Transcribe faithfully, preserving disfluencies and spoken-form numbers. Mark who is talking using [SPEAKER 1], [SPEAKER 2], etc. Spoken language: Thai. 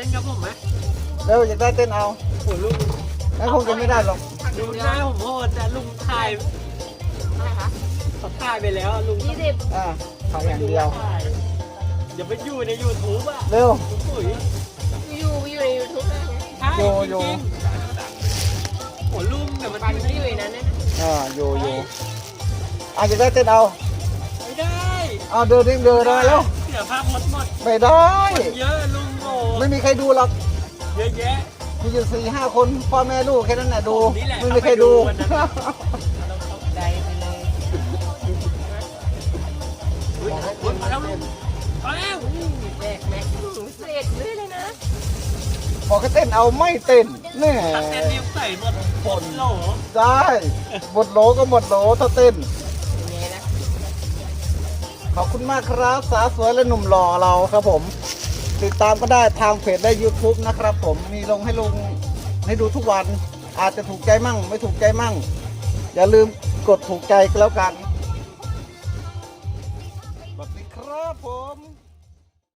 [SPEAKER 1] นกับผมไหม
[SPEAKER 2] เร็วอยากได้เต้นเอา
[SPEAKER 1] โอ้ลุง
[SPEAKER 2] งั้นคงจะไม่ได้หรอก
[SPEAKER 1] ดูหน้าผมโหดแต่ลุงถ่าย
[SPEAKER 3] อะไรคะ
[SPEAKER 1] เขาถ่ายไปแล้วลุง
[SPEAKER 3] ยี่สิบ
[SPEAKER 2] อ่าขายอย่างเดียว
[SPEAKER 1] อย่าไปอยู่ในยูทูบอ่ะ
[SPEAKER 2] เร็ว
[SPEAKER 1] ปุ๋ย
[SPEAKER 3] อยู่อยู่ในยูทูบได้ไง
[SPEAKER 1] ใช่
[SPEAKER 2] โย
[SPEAKER 1] จ
[SPEAKER 2] โย
[SPEAKER 1] ริงๆโอ้ลุงแต่มัน
[SPEAKER 3] ปัน
[SPEAKER 1] อยู่
[SPEAKER 3] ที่อยู่ในนั้นเนี่ยนะ
[SPEAKER 2] อ่าอยู่อยู่อ่ะอยากได้เต้นเอา
[SPEAKER 1] ไม่ได้
[SPEAKER 2] เอาเดินดิเดินได้แล้ว
[SPEAKER 1] เสียภาพหมดหมด
[SPEAKER 2] ไม่ได้
[SPEAKER 1] เยอะลุงโอ้
[SPEAKER 2] ไม่มีใครดูหรอก
[SPEAKER 1] เยอะแยะ
[SPEAKER 2] มีอยู่สี่ห้าคนพ่อแม่ลูกแค่นั้นแหละดู
[SPEAKER 1] ผมนี่แหละ
[SPEAKER 2] ไม่มีใครดู
[SPEAKER 1] เข้าไปดูวันนั้น เราตกใจไปเลยอุ๊ยอุ๊ยมาแล้วลุงมาแล้ว
[SPEAKER 3] แบกแม็กเศษเรื่อยเลยนะ
[SPEAKER 2] บอกให้เต้นเอาไม่เต้นแน่
[SPEAKER 1] ตัดเส้นนิ้วใส่หมดหมดโหล
[SPEAKER 2] ได้หมดโหลก็หมดโหลถ้าเต้น
[SPEAKER 3] อย่างเงี้ยนะ
[SPEAKER 2] ขอบคุณมากครับสาวสวยและหนุ่มหล่อเราครับผม ติดตามก็ได้ทางเพจและ YouTube นะครับผมมีลงให้ลงให้ดูทุกวัน อาจจะถูกใจมั่งไม่ถูกใจมั่ง อย่าลืมกดถูกใจก็แล้วกัน